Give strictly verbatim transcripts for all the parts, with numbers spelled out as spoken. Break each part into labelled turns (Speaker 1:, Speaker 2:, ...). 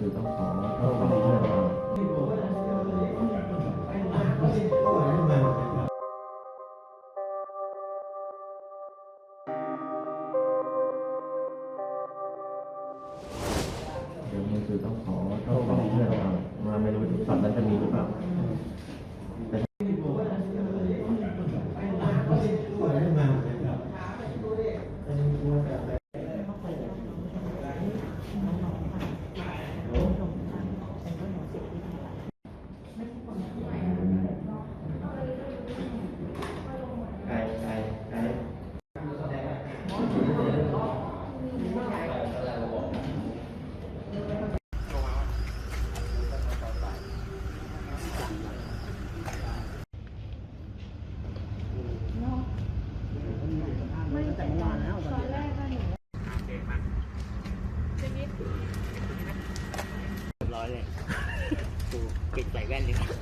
Speaker 1: คือต้องขอต้องขอเพื่อนเราเดี๋ยวมันคือต้องขอต้องขอเพื่อนเรามาไม่รู้ตอนนั้นจะมีหรือเปล่าใครใครใคร
Speaker 2: ไม่แต่เมื่อวานแล้วตอนแรกก็หนูเรียบร้อยเลยกูปิดใส่แว่นดีกว่า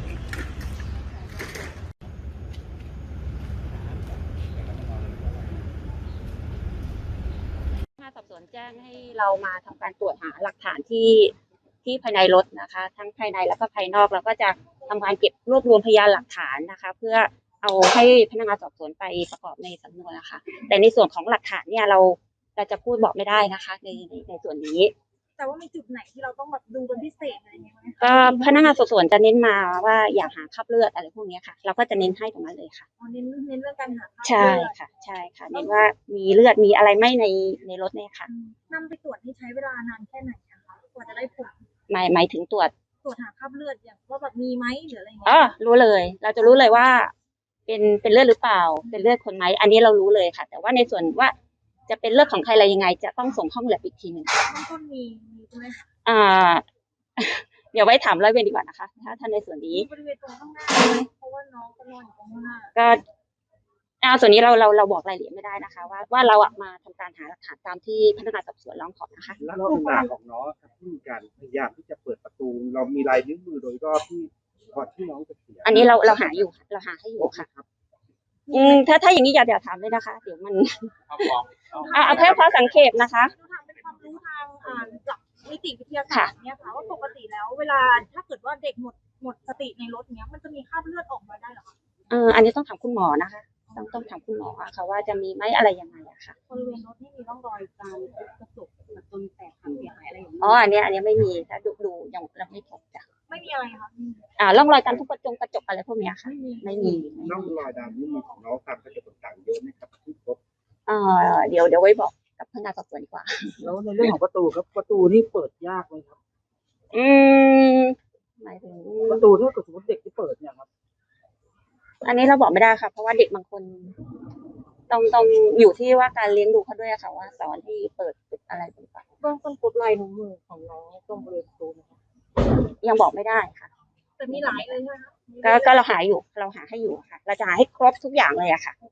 Speaker 3: สอบสวนแจ้งให้เรามาทำการตรวจหาหลักฐานที่ที่ภายในรถนะคะทั้งภายในแล้วก็ภายนอกแล้วก็จะทำการเก็บรวบรวมพยานหลักฐานนะคะเพื่อเอาให้พนักงานสอบสวนไปประกอบในสำนวนนะคะแต่ในส่วนของหลักฐานเนี่ยเราเราจะพูดบอกไม่ได้นะคะในในในส่วนนี้
Speaker 4: แต่ว่ามีจุดไหนที่เราต้องแบบดูเป็นพิเศษอะไรอย่างเงี้ยไหมคะ
Speaker 3: ก็พนักงานสอบสวนจะเน้นมาว่าอยากหาคราบเลือดอะไรพวกนี้ค่ะเราก็จะเน้นให้ตรงนั้นเลยค่ะ
Speaker 4: อ๋อเน้นเน้นเรื่องการหาคราบ
Speaker 3: ใช่ค่ะใช่ค่ะเน้นว่ามีเลือดมีอะไรไหมในในรถเนี่ยค่ะ
Speaker 4: นำไปตรวจนี่ใช้เวลานานแค่ไหนคะกว่าจะได้ผล
Speaker 3: หมายหมายถึงตรวจ
Speaker 4: ตรวจหาคราบเลือดอย่างว่าแบบมีไหมหรืออะไรอย่างเงี้
Speaker 3: ยอ๋อรู้เลยเราจะรู้เลยว่าเป็นเป็นเลือดหรือเปล่าเป็นเลือดคนไหมอันนี้เรารู้เลยค่ะแต่ว่าในส่วนว่าจะเป็นเลือดของใครอะไรยังไงจะต้องส่งห้องแลบอีกทีหนึ่ง
Speaker 4: ต้นต้นมีมีใช่ไหมคะ
Speaker 3: อ่าเดี๋ยวไว้ถามร้อยเวรดีกว่านะคะถ้าท่านในส่วนนี้
Speaker 4: บริเวณตรงข้างหน้าเพราะว่าน้องก็นอนอยู่ตรงข้างหน้า
Speaker 3: ก็อ่าส่วนนี้เราเราเราบอกรายละเอียดไม่ได้นะคะว่าว่าเราอะมาทำการหาหลักฐานตามที่พนักงานสอบสวนร้องขอนะคะ
Speaker 2: แล้วลักษณะของน้องครับที่มีการพยายามที่จะเปิดประตูเรามีลายนิ้วมือโดยรอบที่ก่อนที่น้องจะเสีย
Speaker 3: อันนี้เราเราหาอยู่เราหาให้อยู่ค่ะอืมถ้าถ้าอย่างนี้อย่าอย่าถามเลยนะคะเดี๋ยวมันอ่าเอาแค่พอสังเกตนะคะ
Speaker 4: ทำเป็นความรู้ทางอ่าหลักนิติวิทยาศาสตร์เนี่ยค่ะว่าปกติแล้วเวลาถ้าเกิดว่าเด็กหมดหมดสติในรถเนี้ยมันจะมีคราบเลือดออกมาได้หรอคะ
Speaker 3: เอออันนี้ต้องถามคุณหมอนะคะต้องต้องถามคุณหมอค่ะว่าจะมีไหมอะไรยังไงอะค่ะ
Speaker 4: บริเวณรถนี่มีร่องรอยการกระจกจนแตกหักเสียหายอะไรอย่างนี้
Speaker 3: อ๋ออันนี้อันนี้ไม่มีถ้าดูดูยังเราไม่พบจ้ะ
Speaker 4: ไม่มีอะไรค่ะ
Speaker 3: อ่าร่องรอยการทุบกระจกกระจกอะไรพวกนี้ค่ะไม่มี
Speaker 2: ร่องรอยดำนี่มีของน้องตามกระจกต่างๆเยอะไหมครับที่พบ
Speaker 3: เอ่อเดี๋ยวเดี๋ยวไว้บอกกับพนักงานสอบสวนดีกว่า
Speaker 2: แล้วในเรื่องของประตูครับประตูนี่เปิดยากไหมครับ
Speaker 3: อืมหมายถึง
Speaker 2: ประตูถ้าเกิดสมมติเด็กที่เปิดเนี่ยครับ
Speaker 3: อันนี้เราบอกไม่ได้ค่ะเพราะว่าเด็กบางคนต้องต้องอยู่ที่ว่าการเลี้ยงดูเขาด้วยค่ะว่าสอนที่เปิดปิดอะไรต่าง
Speaker 4: ๆเบื้องต้นพบลายนิ้วมือของน้องตรงบริเวณประตูนะคะ
Speaker 3: ยังบอกไม่ได้ค่ะ
Speaker 4: แต่มีหลายเลยใช่ไหม
Speaker 3: ก็ก็เราหาอยู่เราหาให้อยู่ค่ะเราจะหาให้ครบทุกอย่างเลยอะค่ะ